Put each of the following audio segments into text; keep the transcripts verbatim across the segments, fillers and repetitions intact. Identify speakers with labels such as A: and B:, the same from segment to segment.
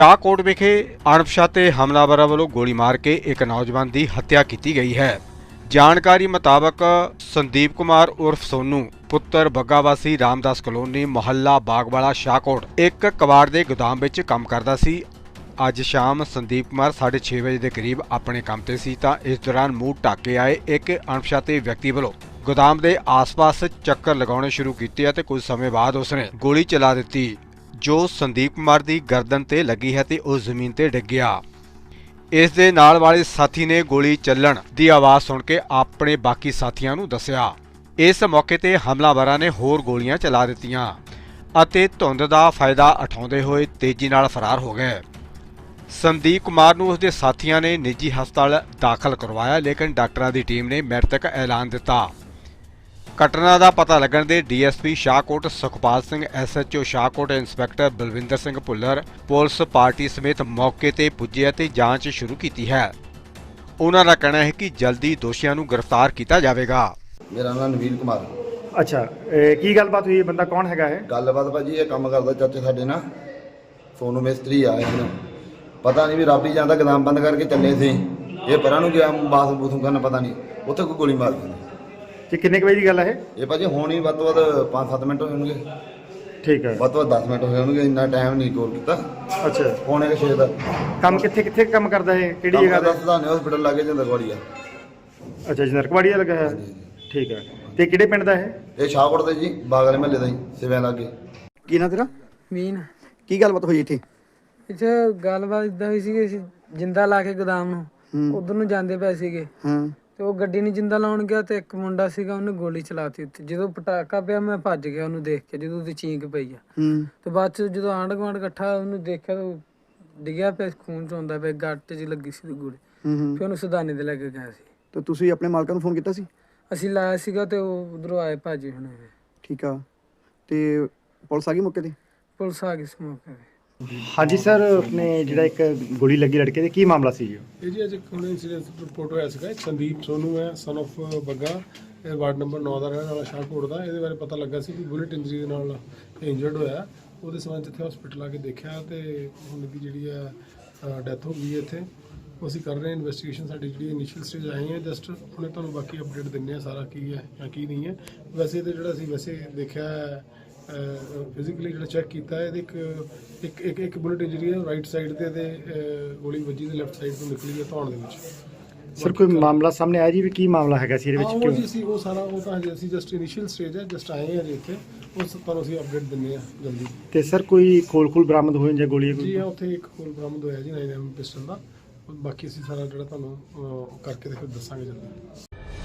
A: ਸ਼ਾਹਕੋਟ ਵਿਖੇ ਅਣਪਛਾਤੇ ਹਮਲਾਵਰਾਂ ਵੱਲੋਂ ਗੋਲੀ ਮਾਰ ਕੇ ਇੱਕ ਨੌਜਵਾਨ ਦੀ ਹੱਤਿਆ ਕੀਤੀ ਗਈ ਹੈ। ਜਾਣਕਾਰੀ ਮੁਤਾਬਕ ਸੰਦੀਪ ਕੁਮਾਰ ਉਰਫ ਸੋਨੂ ਪੁੱਤਰ ਬੱਗਾਵਾਸੀ ਰਾਮਦਾਸ ਕਲੋਨੀ ਮੁਹੱਲਾ ਬਾਗਵਾਲਾ ਸ਼ਾਹਕੋਟ ਇੱਕ ਕਬਾੜ ਦੇ ਗੋਦਾਮ ਵਿੱਚ ਕੰਮ ਕਰਦਾ ਸੀ। ਅੱਜ ਸ਼ਾਮ ਸੰਦੀਪ ਕੁਮਾਰ ਸਾਢੇ ਛੇ ਵਜੇ ਦੇ ਕਰੀਬ ਆਪਣੇ ਕੰਮ ਤੇ ਸੀ ਤਾਂ ਇਸ ਦੌਰਾਨ ਮੂੰਹ ਢੱਕ ਕੇ ਆਏ ਇੱਕ ਅਣਪਛਾਤੇ ਵਿਅਕਤੀ ਵੱਲੋਂ ਗੋਦਾਮ ਦੇ ਆਸ-ਪਾਸ ਚੱਕਰ ਲਗਾਉਣੇ ਸ਼ੁਰੂ ਕੀਤੇ ਅਤੇ ਕੁਝ ਸਮੇਂ ਬਾਅਦ ਉਸਨੇ ਗੋਲੀ ਚਲਾ ਦਿੱਤੀ ਜੋ ਸੰਦੀਪ ਕੁਮਾਰ ਦੀ ਗਰਦਨ ਤੇ ਲੱਗੀ ਹੈ ਤੇ ਉਹ ਜ਼ਮੀਨ ਤੇ ਡਿੱਗ ਗਿਆ। ਇਸ ਦੇ ਨਾਲ ਵਾਲੇ ਸਾਥੀ ਨੇ ਗੋਲੀ ਚੱਲਣ ਦੀ ਆਵਾਜ਼ ਸੁਣ ਕੇ ਆਪਣੇ ਬਾਕੀ ਸਾਥੀਆਂ ਨੂੰ ਦੱਸਿਆ। ਇਸ ਮੌਕੇ ਤੇ ਹਮਲਾਵਰਾਂ ਨੇ ਹੋਰ ਗੋਲੀਆਂ ਚਲਾ ਦਿੱਤੀਆਂ ਅਤੇ ਧੁੰਦ ਦਾ ਫਾਇਦਾ ਉਠਾਉਂਦੇ ਹੋਏ ਤੇਜ਼ੀ ਨਾਲ ਫਰਾਰ ਹੋ ਗਏ। ਸੰਦੀਪ ਕੁਮਾਰ ਨੂੰ ਉਸਦੇ ਸਾਥੀਆਂ ਨੇ ਨਿੱਜੀ ਹਸਪਤਾਲ ਦਾਖਲ ਕਰਵਾਇਆ, ਲੇਕਿਨ ਡਾਕਟਰਾਂ ਦੀ ਟੀਮ ਨੇ ਮ੍ਰਿਤਕ ਐਲਾਨ ਦਿੱਤਾ। ਘਟਨਾ ਦਾ ਪਤਾ ਲੱਗਣ ਦੇ D S P Shahkot Sukhpal Singh, S H O Shahkot inspector Balwinder Singh Bhullar police party ਸਮੇਤ ਮੌਕੇ ਤੇ ਪੁੱਜੇ ਅਤੇ ਜਾਂਚ ਸ਼ੁਰੂ ਕੀਤੀ ਹੈ। ਉਹਨਾਂ ਦਾ ਕਹਿਣਾ ਹੈ ਕਿ ਜਲਦੀ ਦੋਸ਼ੀਆਂ ਨੂੰ ਗ੍ਰਿਫਤਾਰ ਕੀਤਾ ਜਾਵੇਗਾ।
B: ਮੇਰਾ ਨਾਮ ਨਵੀਨ ਕੁਮਾਰ।
C: ਅੱਛਾ, ਇਹ ਕੀ ਗੱਲਬਾਤ ਹੋਈ? ਬੰਦਾ ਕੌਣ ਹੈਗਾ ਇਹ?
B: ਗੱਲਬਾਤ ਭਾਜੀ ਇਹ ਕੰਮ ਕਰਦਾ ਚਾਚੇ ਸਾਡੇ ਨਾਲ ਸੋਨੂ ਮਿਸਤਰੀ ਆ। ਇਹਨੂੰ ਪਤਾ ਨਹੀਂ ਵੀ ਰੱਬ ਹੀ ਜਾਂਦਾ, ਗਦਾਮ ਬੰਦ ਕਰਕੇ ਚੱਲੇ ਸੀ। ਇਹ ਪਰਾਂ ਨੂੰ ਗਿਆ ਬਾਥ ਬੂਥੂ ਕਰਨ, ਪਤਾ ਨਹੀਂ ਉੱਥੇ ਕੋਈ ਗੋਲੀ ਮਾਰ ਦਿੱਤੀ।
C: ਤੇ ਕਿੰਨੇ ਕੁ ਵਜੇ ਦੀ ਗੱਲ ਹੈ ਇਹ?
B: ਇਹ ਭਾਜੀ ਹੁਣ ਹੀ ਵੱਧ ਤੋਂ ਵੱਧ ਪੰਜ ਸੱਤ ਮਿੰਟ ਹੋਏ ਹੋਣਗੇ।
C: ਠੀਕ ਹੈ।
B: ਵੱਧ ਤੋਂ ਵੱਧ ਦਸ ਮਿੰਟ ਹੋਏ ਹੋਣਗੇ, ਇੰਨਾ ਟਾਈਮ ਨਹੀਂ ਕੋਲ ਕੀਤਾ।
C: ਅੱਛਾ,
B: ਪੌਣੇ ਕੁ ਛੇ ਦਾ।
C: ਕੰਮ ਕਿੱਥੇ ਕਿੱਥੇ ਕੰਮ ਕਰਦਾ ਇਹ? ਕਿਹੜੀ ਜਗ੍ਹਾ ਦਾ?
B: ਦੱਸਦਾ ਨਹੀਂ, ਹਸਪੀਟਲ ਲਾਗੇ ਜਾਂਦਾ ਗਵਾੜੀਆ।
C: ਅੱਛਾ, ਜਨਰਕਵਾੜੀਆ ਲੱਗਾ ਹੈ। ਠੀਕ ਹੈ। ਤੇ ਕਿਹੜੇ ਪਿੰਡ ਦਾ ਇਹ?
B: ਇਹ ਸ਼ਾਹਕੋਟ ਦੇ ਜੀ, ਬਾਗਲੇ ਮਹੱਲੇ ਦਾ ਹੀ, ਸਿਵਿਆਂ ਲਾਗੇ।
D: ਕੀ ਨਾਂ ਤੇਰਾ?
E: ਮੀਨ।
D: ਕੀ ਗੱਲਬਾਤ ਹੋਈ ਇੱਥੇ?
E: ਇੱਥੇ ਗੱਲਬਾਤ ਇਦਾਂ ਹੋਈ ਸੀ ਕਿ ਅਸੀਂ ਜਿੰਦਾ ਲਾ ਕੇ ਗੋਦਾਮ ਨੂੰ ਉਧਰ ਨੂੰ ਜਾਂਦੇ ਪਏ ਸੀਗੇ
D: ਹਾਂ।
E: ਤੇ ਉਹ ਗੱਡੀ ਨੂੰ ਜਿੰਦਾ ਲਾਉਣ ਗਿਆ ਤੇ ਇੱਕ ਮੁੰਡਾ ਸੀਗਾ, ਉਹਨੇ ਗੋਲੀ ਚਲਾਤੀ ਉੱਥੇ। ਜਦੋਂ ਪਟਾਕਾ ਪਿਆ ਮੈਂ ਭੱਜ ਗਿਆ ਉਹਨੂੰ ਦੇਖ ਕੇ, ਜਦੋਂ ਉਹਦੀ ਚੀਂਕ ਪਈ ਆ।
D: ਹੂੰ।
E: ਤੇ ਬਾਅਦ ਚ ਜਦੋਂ ਆਂਢ ਗੁਆਂਢ ਇਕੱਠਾ ਉਹਨੂੰ ਦੇਖਿਆ ਤਾਂ ਉਹ ਡਿੱਗਿਆ ਪਿਆ, ਖੂਨ ਚੋਂਦਾ ਪਿਆ, ਗੱਟ 'ਚ ਲੱਗੀ ਸੀ ਗੋਲੀ।
D: ਹੂੰ ਹੂੰ।
E: ਫਿਰ ਉਹਨੂੰ ਸਦਾਨੇ ਤੇ ਲੈ ਕੇ ਗਿਆ ਸੀ।
D: ਤੇ ਤੁਸੀਂ ਆਪਣੇ ਮਾਲਕਾਂ ਨੂੰ ਫੋਨ ਕੀਤਾ ਸੀ?
E: ਅਸੀਂ ਲਾਇਆ ਸੀਗਾ ਤੇ ਉਹ ਉਧਰੋਂ ਆਏ ਭਾਜੀ ਹੁਣ।
D: ਠੀਕ ਆ। ਤੇ ਪੁਲਿਸ ਆ ਗਈ ਮੌਕੇ ਤੇ?
E: ਪੁਲਿਸ ਆ ਗਈ ਇਸ ਮੌਕੇ ਤੇ।
C: ਹਾਂਜੀ ਸਰ, ਆਪਣੇ ਜਿਹੜਾ ਇੱਕ ਗੋਲੀ ਲੱਗੀ ਲੜਕੇ ਦੇ, ਕੀ ਮਾਮਲਾ ਸੀ ਜੀ?
F: ਇਹ ਜੀ ਅੱਜ ਇੱਕ ਹੁਣ ਇੰਸੀਡੈਂਟ ਰਿਪੋਰਟ ਹੋਇਆ ਸੀਗਾ। ਸੰਦੀਪ ਸੋਨੂ ਹੈ, ਸਨ ਆਫ ਬੱਗਾ, ਇਹ ਵਾਰਡ ਨੰਬਰ ਨੌ ਦਾ ਰਹਿਣ ਵਾਲਾ ਸ਼ਾਹਕੋਟ ਦਾ। ਇਹਦੇ ਬਾਰੇ ਪਤਾ ਲੱਗਾ ਸੀ ਕਿ ਬੁਲਟ ਇੰਜਰੀ ਦੇ ਨਾਲ ਇੰਜਰਡ ਹੋਇਆ। ਉਹਦੇ ਸਬੰਧ ਜਿੱਥੇ ਹਸਪੀਟਲ ਆ ਕੇ ਦੇਖਿਆ ਤੇ ਹੁਣ ਦੀ ਜਿਹੜੀ ਹੈ ਡੈਥ ਹੋ ਗਈ ਹੈ ਇੱਥੇ। ਉਹ ਅਸੀਂ ਕਰ ਰਹੇ ਹਾਂ ਇਨਵੈਸਟੀਗੇਸ਼ਨ। ਸਾਡੀ ਜਿਹੜੀ ਇਨੀਸ਼ੀਅਲ ਸਟੇਜ ਆਈ ਹੈ ਜਸਟ ਹੁਣੇ, ਤੁਹਾਨੂੰ ਬਾਕੀ ਅਪਡੇਟ ਦਿੰਦੇ ਹਾਂ ਸਾਰਾ ਕੀ ਹੈ ਜਾਂ ਕੀ ਨਹੀਂ ਹੈ। ਵੈਸੇ ਤੇ ਜਿਹੜਾ ਅਸੀਂ ਵੈਸੇ ਦੇਖਿਆ ਫਿਜ਼ੀਕਲੀ ਜਿਹੜਾ ਚੈੱਕ ਕੀਤਾ ਇਹਦੇ ਇੱਕ ਇੱਕ ਇੱਕ ਇੱਕ ਬੁਲਟ ਇੰਜਰੀ ਹੈ ਰਾਈਟ ਸਾਈਡ ਤੇ ਤੇ ਗੋਲੀ ਵੱਜੀ ਤੇ ਲੈਫਟ ਸਾਈਡ ਤੋਂ ਨਿਕਲੀ ਹੈ ਧੌਣ ਦੇ ਵਿੱਚ।
C: ਸਰ ਕੋਈ ਮਾਮਲਾ ਸਾਹਮਣੇ ਆਇਆ ਜੀ ਵੀ ਕੀ ਮਾਮਲਾ ਹੈਗਾ ਸੀ ਇਹਦੇ ਵਿੱਚ?
F: ਉਹ ਜੀ ਸੀ ਉਹ ਸਾਰਾ ਉਹ ਤਾਂ ਹਜੇ ਅਸੀਂ ਜਸਟ ਇਨੀਸ਼ੀਅਲ ਸਟੇਜ ਹੈ, ਜਸਟ ਆਏ ਹਾਂ ਜੀ ਇੱਥੇ। ਉਸ ਤੁਹਾਨੂੰ ਅਸੀਂ ਅਪਡੇਟ ਦਿੰਦੇ ਹਾਂ ਜਲਦੀ।
C: ਤੇ ਸਰ ਕੋਈ ਖੋਲ ਖੋਲ ਬਰਾਮਦ ਹੋਏ ਜਾਂ ਗੋਲੀ?
F: ਜੀ ਹਾਂ, ਉੱਥੇ ਇੱਕ ਖੋਲ ਬਰਾਮਦ ਹੋਇਆ ਜੀ ਨਾਈਨ ਐਮ ਪਿਸਟਲ ਦਾ। ਬਾਕੀ ਅਸੀਂ ਸਾਰਾ ਜਿਹੜਾ ਤੁਹਾਨੂੰ ਕਰਕੇ ਤੇ ਫਿਰ ਦੱਸਾਂਗੇ ਜਲਦੀ।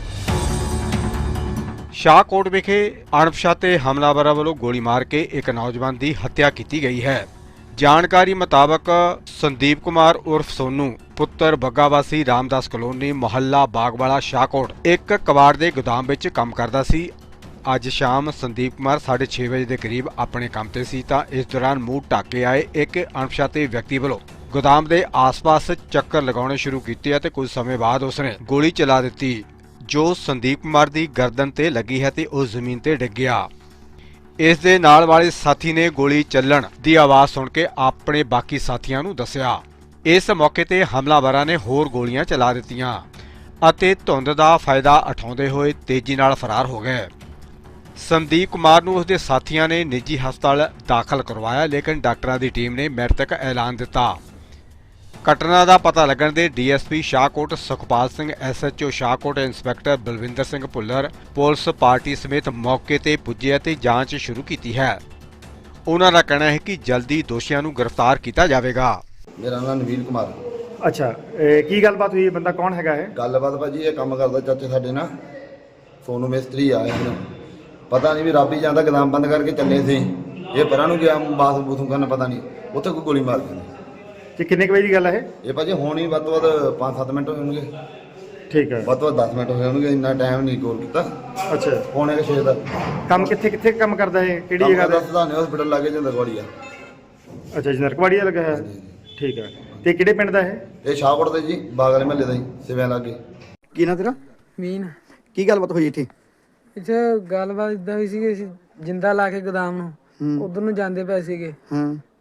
A: ਸ਼ਾਹਕੋਟ ਵਿਖੇ ਅਣਪਛਾਤੇ ਹਮਲਾਵਰਾਂ ਵੱਲੋਂ ਗੋਲੀ ਮਾਰ ਕੇ ਇੱਕ ਨੌਜਵਾਨ ਦੀ ਹੱਤਿਆ ਕੀਤੀ ਗਈ ਹੈ। ਜਾਣਕਾਰੀ ਮੁਤਾਬਕ ਸੰਦੀਪ ਕੁਮਾਰ ਉਰਫ ਸੋਨੂ ਪੁੱਤਰ ਬੱਗਾਵਾਸੀ ਰਾਮਦਾਸ ਕਲੋਨੀ ਮੁਹੱਲਾ ਬਾਗਵਾਲਾ ਸ਼ਾਹਕੋਟ ਇੱਕ ਕਬਾੜ ਦੇ ਗੋਦਾਮ ਵਿੱਚ ਕੰਮ ਕਰਦਾ ਸੀ। ਅੱਜ ਸ਼ਾਮ ਸੰਦੀਪ ਕੁਮਾਰ ਸਾਢੇ ਛੇ ਵਜੇ ਦੇ ਕਰੀਬ ਆਪਣੇ ਕੰਮ ਤੇ ਸੀ ਤਾਂ ਇਸ ਦੌਰਾਨ ਮੂੰਹ ਢੱਕ ਕੇ ਆਏ ਇੱਕ ਅਣਪਛਾਤੇ ਵਿਅਕਤੀ ਵੱਲੋਂ ਗੋਦਾਮ ਦੇ ਆਸ-ਪਾਸ ਚੱਕਰ ਲਗਾਉਣੇ ਸ਼ੁਰੂ ਕੀਤੇ ਅਤੇ ਕੁਝ ਸਮੇਂ ਬਾਅਦ ਉਸਨੇ ਗੋਲੀ ਚਲਾ ਦਿੱਤੀ ਜੋ ਸੰਦੀਪ ਕੁਮਾਰ ਦੀ ਗਰਦਨ ਤੇ ਲੱਗੀ ਹੈ ਤੇ ਉਹ ਜ਼ਮੀਨ ਤੇ ਡਿੱਗ ਗਿਆ। ਇਸ ਦੇ ਨਾਲ ਵਾਲੇ ਸਾਥੀ ਨੇ ਗੋਲੀ ਚੱਲਣ ਦੀ ਆਵਾਜ਼ ਸੁਣ ਕੇ ਆਪਣੇ ਬਾਕੀ ਸਾਥੀਆਂ ਨੂੰ ਦੱਸਿਆ। ਇਸ ਮੌਕੇ ਤੇ ਹਮਲਾਵਰਾਂ ਨੇ ਹੋਰ ਗੋਲੀਆਂ ਚਲਾ ਦਿੱਤੀਆਂ ਅਤੇ ਧੁੰਦ ਦਾ ਫਾਇਦਾ ਉਠਾਉਂਦੇ ਹੋਏ ਤੇਜ਼ੀ ਨਾਲ ਫਰਾਰ ਹੋ ਗਏ। ਸੰਦੀਪ ਕੁਮਾਰ ਨੂੰ ਉਸਦੇ ਸਾਥੀਆਂ ਨੇ ਨਿੱਜੀ ਹਸਪਤਾਲ ਦਾਖਲ ਕਰਵਾਇਆ, ਲੇਕਿਨ ਡਾਕਟਰਾਂ ਦੀ ਟੀਮ ਨੇ ਮ੍ਰਿਤਕ ਐਲਾਨ ਦਿੱਤਾ। ਘਟਨਾ ਦਾ ਪਤਾ ਲੱਗਣ ਦੇ D S P Shahkot Sukhpal Singh, S H O Shahkot inspector Balwinder Singh Bhullar police party ਸਮੇਤ ਮੌਕੇ ਤੇ ਪੁੱਜੇ ਅਤੇ ਜਾਂਚ ਸ਼ੁਰੂ ਕੀਤੀ ਹੈ। ਉਹਨਾਂ ਦਾ ਕਹਿਣਾ ਹੈ ਕਿ ਜਲਦੀ ਦੋਸ਼ੀਆਂ ਨੂੰ ਗ੍ਰਿਫਤਾਰ ਕੀਤਾ ਜਾਵੇਗਾ।
B: ਮੇਰਾ ਨਾਮ ਨਵੀਨ ਕੁਮਾਰ।
C: ਅੱਛਾ, ਇਹ ਕੀ ਗੱਲਬਾਤ ਹੋਈ? ਬੰਦਾ ਕੌਣ ਹੈਗਾ ਇਹ?
B: ਗੱਲਬਾਤ ਭਾਜੀ ਇਹ ਕੰਮ ਕਰਦਾ ਚਾਚੇ ਸਾਡੇ ਨਾਲ ਸੋਨੂ ਮਿਸਤਰੀ ਆ। ਇਹਨੂੰ ਪਤਾ ਨਹੀਂ ਵੀ ਰੱਬ ਹੀ ਜਾਂਦਾ, ਗਦਾਮ ਬੰਦ ਕਰਕੇ ਚੱਲੇ ਸੀ। ਇਹ ਪਰਾਂ ਨੂੰ ਗਿਆ ਬਾਥ ਬੂਥੂ ਕਰਨ, ਪਤਾ ਨਹੀਂ ਉੱਥੇ ਕੋਈ ਗੋਲੀ ਮਾਰ ਦਿੱਤੀ।
C: ਤੇ ਕਿੰਨੇ ਕੁ ਵਜੇ ਦੀ ਗੱਲ ਹੈ ਇਹ?
B: ਇਹ ਭਾਜੀ ਹੁਣ ਹੀ ਵੱਧ ਤੋਂ ਵੱਧ ਪੰਜ ਸੱਤ ਮਿੰਟ ਹੋਏ ਹੋਣਗੇ।
C: ਠੀਕ ਹੈ।
B: ਵੱਧ ਤੋਂ ਵੱਧ ਦਸ ਮਿੰਟ ਹੋਏ ਹੋਣਗੇ, ਇੰਨਾ ਟਾਈਮ ਨਹੀਂ ਕੋਲ ਕੀਤਾ।
C: ਅੱਛਾ,
B: ਪੌਣੇ ਕੁ ਛੇ ਦਾ।
C: ਕੰਮ ਕਿੱਥੇ ਕਿੱਥੇ ਕੰਮ ਕਰਦਾ ਇਹ? ਕਿਹੜੀ ਜਗ੍ਹਾ ਦਾ?
B: ਦੱਸਦਾ ਨਹੀਂ, ਹਸਪੀਟਲ ਲਾਗੇ ਜਾਂਦਾ ਗਵਾੜੀਆ।
C: ਅੱਛਾ, ਜਨਰਕਵਾੜੀਆ ਲੱਗਾ ਹੈ। ਠੀਕ ਹੈ। ਤੇ ਕਿਹੜੇ ਪਿੰਡ ਦਾ ਇਹ?
B: ਇਹ ਸ਼ਾਹਕੋਟ ਦੇ ਜੀ, ਬਾਗਲੇ ਮਹੱਲੇ ਦਾ ਹੀ, ਸਿਵਿਆਂ ਲਾਗੇ।
D: ਕੀ ਨਾਂ ਤੇਰਾ?
E: ਮੀਨ।
D: ਕੀ ਗੱਲਬਾਤ ਹੋਈ ਇੱਥੇ?
E: ਇੱਥੇ ਗੱਲਬਾਤ ਇਦਾਂ ਹੋਈ ਸੀ ਕਿ ਅਸੀਂ ਜਿੰਦਾ ਲਾ ਕੇ ਗੋਦਾਮ ਨੂੰ ਉਧਰ ਨੂੰ ਜਾਂਦੇ ਪਏ ਸੀਗੇ
D: ਹਾਂ।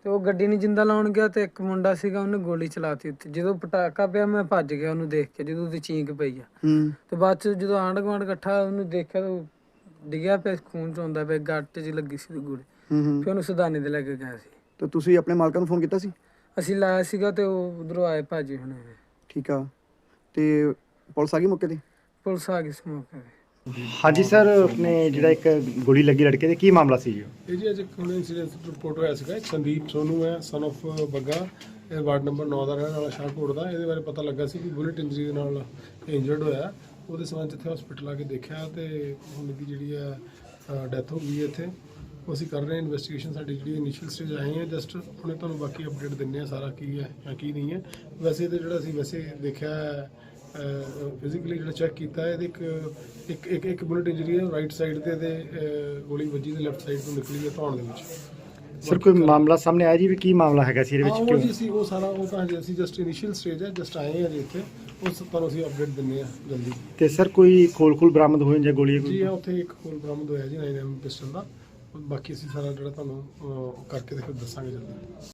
E: ਤੇ ਉਹ ਗੱਡੀ ਨੂੰ ਜਿੰਦਾ ਲਾਉਣ ਗਿਆ ਤੇ ਇੱਕ ਮੁੰਡਾ ਸੀਗਾ ਉਹਨੇ ਗੋਲੀ ਚਲਾਤੀ ਉੱਤੇ। ਜਦੋਂ ਪਟਾਕਾ ਪਿਆ ਮੈਂ ਭੱਜ ਗਿਆ ਉਹਨੂੰ ਦੇਖ ਕੇ, ਜਦੋਂ ਉਹਦੀ ਚੀਂਕ ਪਈ ਆ।
D: ਹੂੰ
E: ਤੇ ਬਾਅਦ ਚ ਜਦੋਂ ਆਂਢ ਗੁਆਂਢ ਇਕੱਠਾ ਉਹਨੂੰ ਦੇਖਿਆ ਤਾਂ ਉਹ ਡਿੱਗਿਆ ਪਿਆ, ਖੂਨ ਚੋਂਦਾ ਪਿਆ, ਗੱਟ 'ਚ ਲੱਗੀ ਸੀ ਗੋਲੀ।
D: ਹੂੰ ਹੂੰ
E: ਫਿਰ ਉਹਨੂੰ ਸੁਦਾਨੇ ਦੇ ਲੈ ਕੇ ਗਿਆ ਸੀ।
D: ਤੇ ਤੁਸੀਂ ਆਪਣੇ ਮਾਲਕਾਂ ਨੂੰ ਫੋਨ ਕੀਤਾ ਸੀ?
E: ਅਸੀਂ ਲਾਇਆ ਸੀਗਾ ਤੇ ਉਹ ਉਧਰੋਂ ਆਏ ਭਾਜੀ ਹੁਣੇ।
D: ਠੀਕ ਆ, ਤੇ ਪੁਲਿਸ ਆ ਗਈ ਮੌਕੇ ਤੇ?
E: ਪੁਲਿਸ ਆ ਗਈ ਸੀ ਮੌਕੇ ਤੇ।
C: ਹਾਂਜੀ ਸਰ, ਆਪਣੇ ਜਿਹੜਾ ਇੱਕ ਗੋਲੀ ਲੱਗੀ ਲੜਕੇ ਦੇ, ਕੀ ਮਾਮਲਾ ਸੀ ਜੀ?
F: ਇਹ ਜੀ ਅੱਜ ਇੱਕ ਹੁਣ ਇਨਸੀਡੈਂਟ ਰਿਪੋਰਟ ਹੋਇਆ ਸੀਗਾ। ਇੱਕ ਸੰਦੀਪ ਸੋਨੂ ਹੈ, ਸਨ of ਬੱਗਾ, ਇਹ ਵਾਰਡ ਨੰਬਰ ਨੌ ਦਾ ਰਹਿਣ ਵਾਲਾ ਸ਼ਾਹਕੋਟ ਦਾ। ਇਹਦੇ ਬਾਰੇ ਪਤਾ ਲੱਗਾ ਸੀ ਕਿ ਬੁਲਟ ਇੰਜਰੀ ਦੇ ਨਾਲ ਇੰਜਰਡ ਹੋਇਆ। ਉਹਦੇ ਸਬੰਧ 'ਚ ਇੱਥੇ ਹਸਪੀਟਲ ਆ ਕੇ ਦੇਖਿਆ ਤੇ ਹੁਣ ਦੀ ਜਿਹੜੀ ਹੈ ਡੈਥ ਹੋ ਗਈ ਹੈ ਇੱਥੇ। ਉਹ ਅਸੀਂ ਕਰ ਰਹੇ ਹਾਂ ਇਨਵੈਸਟੀਗੇਸ਼ਨ। ਸਾਡੀ ਜਿਹੜੀ ਇਨੀਸ਼ੀਅਲ ਸਟੇਜ ਆਏ ਹੈ, ਜਸਟ ਹੁਣੇ ਤੁਹਾਨੂੰ ਬਾਕੀ ਅਪਡੇਟ ਦਿੰਦੇ ਹਾਂ ਸਾਰਾ ਕੀ ਹੈ ਜਾਂ ਕੀ ਨਹੀਂ ਹੈ। ਵੈਸੇ ਤਾਂ ਜਿਹੜਾ ਅਸੀਂ ਵੈਸੇ ਦੇਖਿਆ ਫਿਜ਼ੀਕਲੀ ਜਿਹੜਾ ਚੈੱਕ ਕੀਤਾ, ਇਹਦੇ ਇੱਕ ਇੱਕ ਇੱਕ ਇੱਕ ਬੁਲਟ ਇੰਜਰੀ ਹੈ ਰਾਈਟ ਸਾਈਡ ਤੇ, ਤੇ ਗੋਲੀ ਵੱਜੀ ਤੇ ਲੈਫਟ ਸਾਈਡ ਤੋਂ ਨਿਕਲੀ ਹੈ ਧੌਣ ਦੇ ਵਿੱਚ।
C: ਸਰ ਕੋਈ ਮਾਮਲਾ ਸਾਹਮਣੇ ਆਇਆ ਜੀ ਵੀ ਕੀ ਮਾਮਲਾ ਹੈਗਾ ਸੀ ਇਹਦੇ
F: ਹਾਂ,
C: ਵਿੱਚ?
F: ਉਹ
C: ਕਿਉਂ
F: ਜੀ ਸੀ ਉਹ ਸਾਰਾ ਉਹ ਤਾਂ ਹਜੇ ਅਸੀਂ ਜਸਟ ਇਨੀਸ਼ੀਅਲ ਸਟੇਜ ਹੈ, ਜਸਟ ਆਏ ਹਾਂ ਜੀ ਇੱਥੇ। ਉਸ ਤੁਹਾਨੂੰ ਅਸੀਂ ਅਪਡੇਟ ਦਿੰਦੇ ਹਾਂ ਜਲਦੀ।
C: ਤੇ ਸਰ ਕੋਈ ਖੋਲ ਖੋਲ ਬਰਾਮਦ ਹੋਏ ਜਾਂ ਗੋਲੀ?
F: ਜੀ ਹਾਂ, ਉੱਥੇ ਇੱਕ ਖੋਲ ਬਰਾਮਦ ਹੋਇਆ ਜੀ ਨਾਈਨ ਐਮ ਪਿਸਟਲ ਦਾ। ਬਾਕੀ ਅਸੀਂ ਸਾਰਾ ਜਿਹੜਾ ਤੁਹਾਨੂੰ ਅਹ, ਕਰਕੇ ਤੇ ਫਿਰ ਦੱਸਾਂਗੇ ਜਲਦੀ।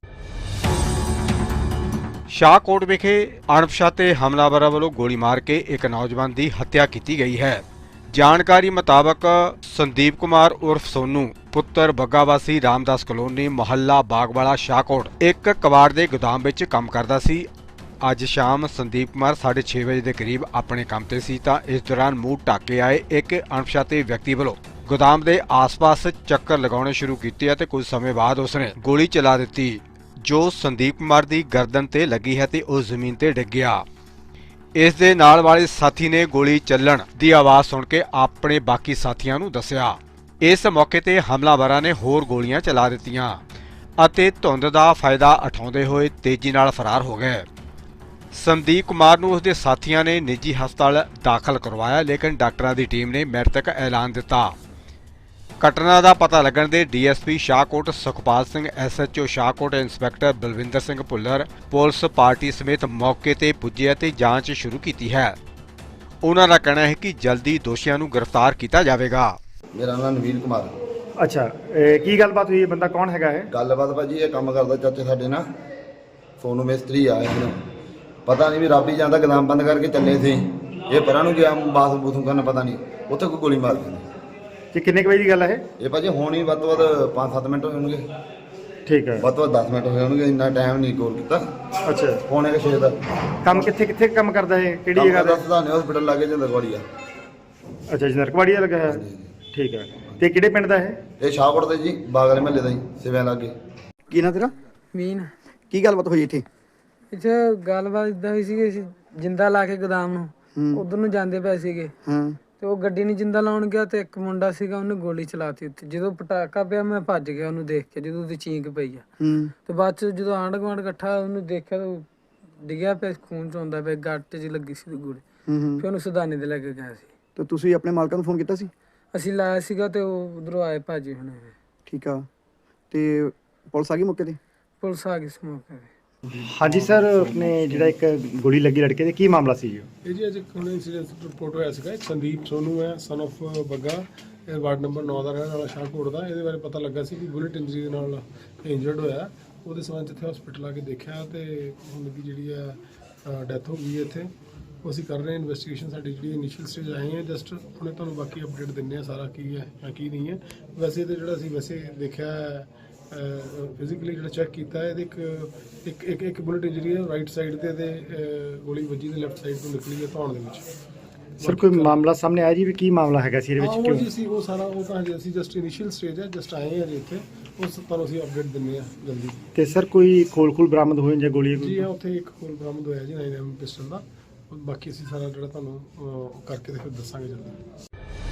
A: ਸ਼ਾਹਕੋਟ ਵਿਖੇ ਅਣਪਛਾਤੇ ਹਮਲਾਵਰਾਂ ਵੱਲੋਂ ਗੋਲੀ ਮਾਰ ਕੇ ਇੱਕ ਨੌਜਵਾਨ ਦੀ ਹੱਤਿਆ ਕੀਤੀ ਗਈ ਹੈ। ਜਾਣਕਾਰੀ ਮੁਤਾਬਕ ਸੰਦੀਪ ਕੁਮਾਰ ਉਰਫ ਸੋਨੂ ਪੁੱਤਰ ਬੱਗਾ ਵਾਸੀ ਰਾਮਦਾਸ ਕਲੋਨੀ ਮੁਹੱਲਾ ਬਾਗਵਾਲਾ ਸ਼ਾਹਕੋਟ ਇੱਕ ਕਬਾੜ ਦੇ ਗੋਦਾਮ ਵਿੱਚ ਕੰਮ ਕਰਦਾ ਸੀ। ਅੱਜ ਸ਼ਾਮ ਸੰਦੀਪ ਕੁਮਾਰ ਸਾਢੇ ਛੇ ਵਜੇ ਦੇ ਕਰੀਬ ਆਪਣੇ ਕੰਮ ਤੇ ਸੀ ਤਾਂ ਇਸ ਦੌਰਾਨ ਮੂੰਹ ਢੱਕ ਕੇ ਆਏ ਇੱਕ ਅਣਪਛਾਤੇ ਵਿਅਕਤੀ ਵੱਲੋਂ ਗੋਦਾਮ ਦੇ ਆਸ-ਪਾਸ ਚੱਕਰ ਲਗਾਉਣੇ ਸ਼ੁਰੂ ਕੀਤੇ ਅਤੇ ਕੁਝ ਸਮੇਂ ਬਾਅਦ ਉਸਨੇ ਗੋਲੀ ਚਲਾ ਦਿੱਤੀ, ਜੋ ਸੰਦੀਪ ਕੁਮਾਰ ਦੀ ਗਰਦਨ ਤੇ ਲੱਗੀ ਹੈ ਤੇ ਉਹ ਜ਼ਮੀਨ ਤੇ ਡਿੱਗ ਗਿਆ। ਇਸ ਦੇ ਨਾਲ ਵਾਲੇ ਸਾਥੀ ਨੇ ਗੋਲੀ ਚੱਲਣ ਦੀ ਆਵਾਜ਼ ਸੁਣ ਕੇ ਆਪਣੇ ਬਾਕੀ ਸਾਥੀਆਂ ਨੂੰ ਦੱਸਿਆ। ਇਸ ਮੌਕੇ ਤੇ ਹਮਲਾਵਰਾਂ ਨੇ ਹੋਰ ਗੋਲੀਆਂ ਚਲਾ ਦਿੱਤੀਆਂ ਅਤੇ ਧੁੰਦ ਦਾ ਫਾਇਦਾ ਉਠਾਉਂਦੇ ਹੋਏ ਤੇਜ਼ੀ ਨਾਲ ਫਰਾਰ ਹੋ ਗਏ। ਸੰਦੀਪ ਕੁਮਾਰ ਨੂੰ ਉਸਦੇ ਸਾਥੀਆਂ ਨੇ ਨਿੱਜੀ ਹਸਪਤਾਲ ਦਾਖਲ ਕਰਵਾਇਆ, ਲੇਕਿਨ ਡਾਕਟਰਾਂ ਦੀ ਟੀਮ ਨੇ ਮ੍ਰਿਤਕ ਐਲਾਨ ਦਿੱਤਾ। ਘਟਨਾ ਦਾ ਪਤਾ ਲੱਗਣ ਦੇ DSP Shahkot Sukhpal Singh, SHO Shahkot inspector Balwinder Singh Bhullar police party ਸਮੇਤ ਮੌਕੇ ਤੇ ਪੁੱਜੇ ਅਤੇ ਜਾਂਚ ਸ਼ੁਰੂ ਕੀਤੀ ਹੈ। ਉਹਨਾਂ ਦਾ ਕਹਿਣਾ ਹੈ ਕਿ ਜਲਦੀ ਦੋਸ਼ੀਆਂ ਨੂੰ ਗ੍ਰਿਫਤਾਰ ਕੀਤਾ ਜਾਵੇਗਾ।
B: ਮੇਰਾ ਨਾਮ ਨਵੀਨ ਕੁਮਾਰ।
C: ਅੱਛਾ, ਇਹ ਕੀ ਗੱਲਬਾਤ ਹੋਈ? ਇਹ ਬੰਦਾ ਕੌਣ ਹੈਗਾ ਹੈ?
B: ਗੱਲਬਾਤ ਭਾਜੀ ਇਹ ਕੰਮ ਕਰਦਾ ਚਾਚੇ ਸਾਡੇ ਨਾਲ, ਸੋਨੂ ਮਿਸਤਰੀ ਆ ਇਹਨੂੰ ਪਤਾ ਨਹੀਂ ਵੀ ਰੱਬ ਹੀ ਜਾਂਦਾ, ਗੋਦਾਮ ਬੰਦ ਕਰਕੇ ਚੱਲੇ ਸੀ। ਇਹ ਪਰਾਂ ਨੂੰ ਗਿਆ ਬਾਥ ਬੂਥੂ ਕਰਨ, ਪਤਾ ਨਹੀਂ ਉੱਥੇ ਕੋਈ ਗੋਲੀ ਮਾਰ ਦਿੰਦੀ।
C: ਕਿ ਕਿੰਨੇ ਕੁ ਵਜੇ ਦੀ ਗੱਲ ਹੈ
B: ਇਹ ਭਾਜੀ ਹੁਣ ਹੀ ਵੱਧ ਤੋਂ ਵੱਧ ਪੰਜ ਸੱਤ ਮਿੰਟ ਹੋਏ ਹੋਣਗੇ,
C: ਇਹ? ਠੀਕ ਹੈ।
B: ਵੱਧ ਤੋਂ ਵੱਧ ਦਸ ਮਿੰਟ ਹੋਏ ਹੋਣਗੇ, ਇੰਨਾ ਟਾਈਮ ਨਹੀਂ ਕੋਲ ਕੀਤਾ।
C: ਅੱਛਾ,
B: ਪੌਣੇ ਛੇ ਦਾ
C: ਕੰਮ ਕਿੱਥੇ ਕਿੱਥੇ ਕੰਮ ਕਰਦਾ ਹੈ? ਕਿਹੜੀ
B: ਕੰਮ
C: ਜਗ੍ਹਾ
B: ਕਰਦਾ
C: ਤੇ?
B: ਸਦਾਨੇ ਹਸਪੀਟਲ ਲਾਗੇ ਜੰਦਰਵਾੜੀ ਆ।
C: ਅੱਛਾ ਜੀ, ਨਰਕਵਾੜੀਆ ਲੱਗਾ ਹੈ। ਠੀਕ ਹੈ। ਤੇ ਕਿਹੜੇ ਪਿੰਡ ਦਾ ਹੈ?
B: ਇਹ ਸ਼ਾਹਕੋਟ ਦੇ ਜੀ ਬਾਗਲੇ ਮਹੱਲੇ ਦਾ ਜੀ, ਸਿਵਿਆਂ ਲਾਗੇ।
D: ਕੀ ਨਾਂ ਤੇਰਾ?
E: ਮੀਨ
D: ਕੀ ਗੱਲਬਾਤ ਹੋਈ ਇੱਥੇ?
E: ਇੱਥੇ ਗੱਲਬਾਤ ਇਦਾਂ ਹੋਈ ਸੀ ਕਿ ਅਸੀਂ ਜਿੰਦਾ ਲਾ ਕੇ ਗੋਦਾਮ ਨੂੰ ਉਧਰ ਨੂੰ ਜਾਂਦੇ ਪਏ ਸੀਗੇ।
D: ਹਾਂ
E: ਤੇ ਉਹ ਗੱਡੀ ਨੂੰ ਜਿੰਦਾ ਲਾਉਣ ਗਿਆ ਤੇ ਇੱਕ ਮੁੰਡਾ ਸੀਗਾ ਉਹਨੇ ਗੋਲੀ ਚਲਾਤੀ ਉੱਤੇ। ਜਦੋਂ ਪਟਾਕਾ ਪਿਆ ਮੈਂ ਭੱਜ ਗਿਆ ਉਹਨੂੰ ਦੇਖ ਕੇ, ਜਦੋਂ ਉਹਦੀ ਚੀਂਕ ਪਈ ਆ।
D: ਹੂੰ
E: ਤੇ ਬਾਅਦ ਚ ਜਦੋਂ ਆਂਢ ਗੁਆਂਢ ਇਕੱਠਾ ਉਹਨੂੰ ਦੇਖਿਆ ਤਾਂ ਉਹ ਡਿੱਗਿਆ ਪਿਆ, ਖੂਨ ਚੋਂਦਾ ਪਿਆ, ਗੱਟ 'ਚ ਲੱਗੀ ਸੀ ਗੋਲੀ।
D: ਹੂੰ ਹੂੰ
E: ਫਿਰ ਉਹਨੂੰ ਸੁਦਾਨੇ ਦੇ ਲੈ ਕੇ ਗਿਆ ਸੀ।
D: ਤੇ ਤੁਸੀਂ ਆਪਣੇ ਮਾਲਕਾਂ ਨੂੰ ਫੋਨ ਕੀਤਾ ਸੀ?
E: ਅਸੀਂ ਲਾਇਆ ਸੀਗਾ ਤੇ ਉਹ ਉਧਰੋਂ ਆਏ ਭਾਜੀ ਹੁਣੇ।
D: ਠੀਕ ਆ, ਤੇ ਪੁਲਿਸ ਆ ਗਈ ਮੌਕੇ ਤੇ?
E: ਪੁਲਿਸ ਆ ਗਈ ਸੀ ਮੌਕੇ ਤੇ।
C: ਹਾਂਜੀ ਸਰ, ਆਪਣੇ ਜਿਹੜਾ ਇੱਕ ਗੋਲੀ ਲੱਗੀ ਲੜਕੇ ਦੇ, ਕੀ ਮਾਮਲਾ ਸੀ ਜੀ?
F: ਇਹ ਜੀ ਅੱਜ ਇੱਕ ਹੁਣ ਇਨਸੀਡੈਂਟ ਰਿਪੋਰਟ ਹੋਇਆ ਸੀਗਾ। ਇੱਕ ਸੰਦੀਪ ਸੋਨੂ ਹੈ, ਸਨ of ਬੱਗਾ, ਇਹ ਵਾਰਡ ਨੰਬਰ ਨੌ ਦਾ ਰਹਿਣ ਵਾਲਾ ਸ਼ਾਹਕੋਟ ਦਾ। ਇਹਦੇ ਬਾਰੇ ਪਤਾ ਲੱਗਾ ਸੀ ਕਿ ਬੁਲਟ ਇੰਜਰੀ ਦੇ ਨਾਲ ਇੰਜਰਡ ਹੋਇਆ। ਉਹਦੇ ਸਬੰਧ 'ਚ ਇੱਥੇ ਹਸਪੀਟਲ ਆ ਕੇ ਦੇਖਿਆ ਤੇ ਹੁਣ ਦੀ ਜਿਹੜੀ ਹੈ ਡੈਥ ਹੋ ਗਈ ਹੈ ਇੱਥੇ। ਉਹ ਅਸੀਂ ਕਰ ਰਹੇ ਹਾਂ ਇਨਵੈਸਟੀਗੇਸ਼ਨ। ਸਾਡੀ ਜਿਹੜੀ ਇਨੀਸ਼ੀਅਲ ਸਟੇਜ ਆਏ ਹੈ, ਜਸਟ ਹੁਣੇ ਤੁਹਾਨੂੰ ਬਾਕੀ ਅਪਡੇਟ ਦਿੰਦੇ ਹਾਂ ਸਾਰਾ ਕੀ ਹੈ ਜਾਂ ਕੀ ਨਹੀਂ ਹੈ। ਵੈਸੇ ਤਾਂ ਜਿਹੜਾ ਅਸੀਂ ਵੈਸੇ ਦੇਖਿਆ ਫਿਜ਼ੀਕਲੀ ਜਿਹੜਾ ਚੈੱਕ ਕੀਤਾ, ਇਹਦੇ ਇੱਕ ਇੱਕ ਇੱਕ ਇੱਕ ਬੁਲਟ ਇੰਜਰੀ ਹੈ ਰਾਈਟ ਸਾਈਡ ਤੇ, ਤੇ ਗੋਲੀ ਵੱਜੀ ਤੇ ਲੈਫਟ ਸਾਈਡ ਤੋਂ ਨਿਕਲੀ ਹੈ ਧੌਣ ਦੇ ਵਿੱਚ।
C: ਸਰ ਕੋਈ ਮਾਮਲਾ ਸਾਹਮਣੇ ਆਇਆ ਜੀ ਵੀ ਕੀ ਮਾਮਲਾ ਹੈਗਾ ਸੀ ਇਹਦੇ
F: ਹਾਂ,
C: ਵਿੱਚ?
F: ਉਹ
C: ਕਿਉਂ?
F: ਜੀ ਸੀ ਉਹ ਸਾਰਾ ਉਹ ਤਾਂ ਹਜੇ ਅਸੀਂ ਜਸਟ ਇਨੀਸ਼ੀਅਲ ਸਟੇਜ ਹੈ, ਜਸਟ ਆਏ ਹਾਂ ਜੀ ਇੱਥੇ। ਉਸ ਤੁਹਾਨੂੰ ਅਸੀਂ ਅਪਡੇਟ ਦਿੰਦੇ ਹਾਂ ਜਲਦੀ।
C: ਤੇ ਸਰ ਕੋਈ ਖੋਲ ਖੋਲ ਬਰਾਮਦ ਹੋਏ ਜਾਂ ਗੋਲੀ?
F: ਜੀ ਹਾਂ, ਉੱਥੇ ਇੱਕ ਖੋਲ ਬਰਾਮਦ ਹੋਇਆ ਜੀ ਨਾਈਨ ਐਮ ਪਿਸਟਲ ਦਾ। ਬਾਕੀ ਅਸੀਂ ਸਾਰਾ ਜਿਹੜਾ ਤੁਹਾਨੂੰ ਅਹ, ਕਰਕੇ ਤੇ ਫਿਰ ਦੱਸਾਂਗੇ ਜਲਦੀ।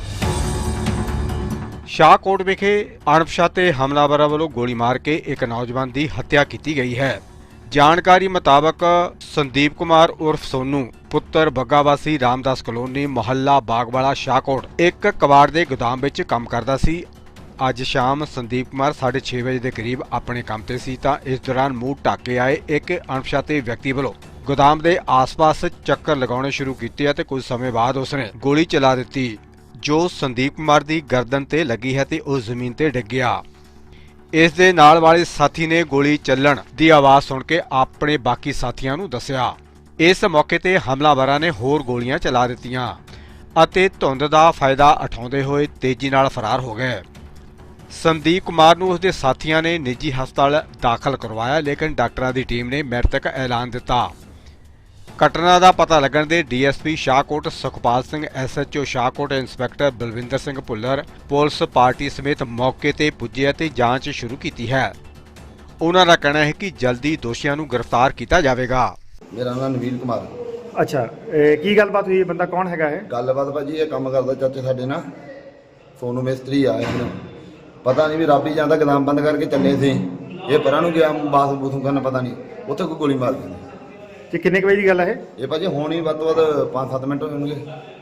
A: ਸ਼ਾਹਕੋਟ ਵਿਖੇ ਅਣਪਛਾਤੇ ਹਮਲਾਵਰਾਂ ਵੱਲੋਂ ਗੋਲੀ ਮਾਰ ਕੇ ਇੱਕ ਨੌਜਵਾਨ ਦੀ ਹੱਤਿਆ ਕੀਤੀ ਗਈ ਹੈ। ਜਾਣਕਾਰੀ ਮੁਤਾਬਕ ਸੰਦੀਪ ਕੁਮਾਰ ਉਰਫ ਸੋਨੂ ਪੁੱਤਰ ਬੱਗਾ ਵਾਸੀ ਰਾਮਦਾਸ ਕਲੋਨੀ ਮੁਹੱਲਾ ਬਾਗਵਾਲਾ ਸ਼ਾਹਕੋਟ ਇੱਕ ਕਬਾੜ ਦੇ ਗੋਦਾਮ ਵਿੱਚ ਕੰਮ ਕਰਦਾ ਸੀ। ਅੱਜ ਸ਼ਾਮ ਸੰਦੀਪ ਕੁਮਾਰ ਸਾਢੇ ਛੇ ਵਜੇ ਦੇ ਕਰੀਬ ਆਪਣੇ ਕੰਮ ਤੇ ਸੀ ਤਾਂ ਇਸ ਦੌਰਾਨ ਮੂੰਹ ਢੱਕ ਕੇ ਆਏ ਇੱਕ ਅਣਪਛਾਤੇ ਵਿਅਕਤੀ ਵੱਲੋਂ ਗੋਦਾਮ ਦੇ ਆਸ-ਪਾਸ ਚੱਕਰ ਲਗਾਉਣੇ ਸ਼ੁਰੂ ਕੀਤੇ ਅਤੇ ਕੁਝ ਸਮੇਂ ਬਾਅਦ ਉਸਨੇ ਗੋਲੀ ਚਲਾ ਦਿੱਤੀ, ਜੋ ਸੰਦੀਪ ਕੁਮਾਰ ਦੀ ਗਰਦਨ ਤੇ ਲੱਗੀ ਹੈ ਤੇ ਉਹ ਜ਼ਮੀਨ ਤੇ ਡਿੱਗ ਗਿਆ। ਇਸ ਦੇ ਨਾਲ ਵਾਲੇ ਸਾਥੀ ਨੇ ਗੋਲੀ ਚੱਲਣ ਦੀ ਆਵਾਜ਼ ਸੁਣ ਕੇ ਆਪਣੇ ਬਾਕੀ ਸਾਥੀਆਂ ਨੂੰ ਦੱਸਿਆ। ਇਸ ਮੌਕੇ ਤੇ ਹਮਲਾਵਰਾਂ ਨੇ ਹੋਰ ਗੋਲੀਆਂ ਚਲਾ ਦਿੱਤੀਆਂ ਅਤੇ ਧੁੰਦ ਦਾ ਫਾਇਦਾ ਉਠਾਉਂਦੇ ਹੋਏ ਤੇਜ਼ੀ ਨਾਲ ਫਰਾਰ ਹੋ ਗਏ। ਸੰਦੀਪ ਕੁਮਾਰ ਨੂੰ ਉਸਦੇ ਸਾਥੀਆਂ ਨੇ ਨਿੱਜੀ ਹਸਪਤਾਲ ਦਾਖਲ ਕਰਵਾਇਆ, ਲੇਕਿਨ ਡਾਕਟਰਾਂ ਦੀ ਟੀਮ ਨੇ ਮ੍ਰਿਤਕ ਐਲਾਨ ਦਿੱਤਾ। ਘਟਨਾ ਦਾ ਪਤਾ ਲੱਗਣ ਦੇ DSP Shahkot Sukhpal Singh, SHO Shahkot inspector Balwinder Singh Bhullar police party ਸਮੇਤ ਮੌਕੇ ਤੇ ਪੁੱਜੇ ਅਤੇ ਜਾਂਚ ਸ਼ੁਰੂ ਕੀਤੀ ਹੈ। ਉਹਨਾਂ ਦਾ ਕਹਿਣਾ ਹੈ ਕਿ ਜਲਦੀ ਦੋਸ਼ੀਆਂ ਨੂੰ ਗ੍ਰਿਫਤਾਰ ਕੀਤਾ ਜਾਵੇਗਾ।
B: ਮੇਰਾ ਨਾਮ ਨਵੀਨ ਕੁਮਾਰ।
C: ਅੱਛਾ, ਇਹ ਕੀ ਗੱਲਬਾਤ ਹੋਈ ਹੈ? ਬੰਦਾ ਕੌਣ ਹੈਗਾ ਹੈ?
B: ਗੱਲਬਾਤ ਭਾਜੀ ਇਹ ਕੰਮ ਕਰਦਾ ਚਾਚੇ ਸਾਡੇ ਨਾਲ ਸੋਨੂੰ ਮਿਸਤਰੀ ਆ ਇਹਨੂੰ ਪਤਾ ਨਹੀਂ ਵੀ ਰੱਬ ਹੀ ਜਾਂਦਾ, ਗਦਾਮ ਬੰਦ ਕਰਕੇ ਚੱਲੇ ਸੀ। ਇਹ ਪਰਾਂ ਨੂੰ ਗਿਆ ਬਾਥ ਬੂਥੂ ਕਰਨ, ਪਤਾ ਨਹੀਂ ਉੱਥੇ ਕੋਈ ਗੋਲੀ ਮਾਰ ਦਿੱਤੀ।
C: ਤੇ ਕਿੰਨੇ ਕੁ ਵਜੇ ਦੀ ਗੱਲ ਹੈ ਇਹ?
B: ਇਹ ਭਾਜੀ ਹੁਣ ਹੀ ਵੱਧ ਤੋਂ ਵੱਧ ਪੰਜ ਸੱਤ ਮਿੰਟ ਹੋਏ ਹੋਣਗੇ,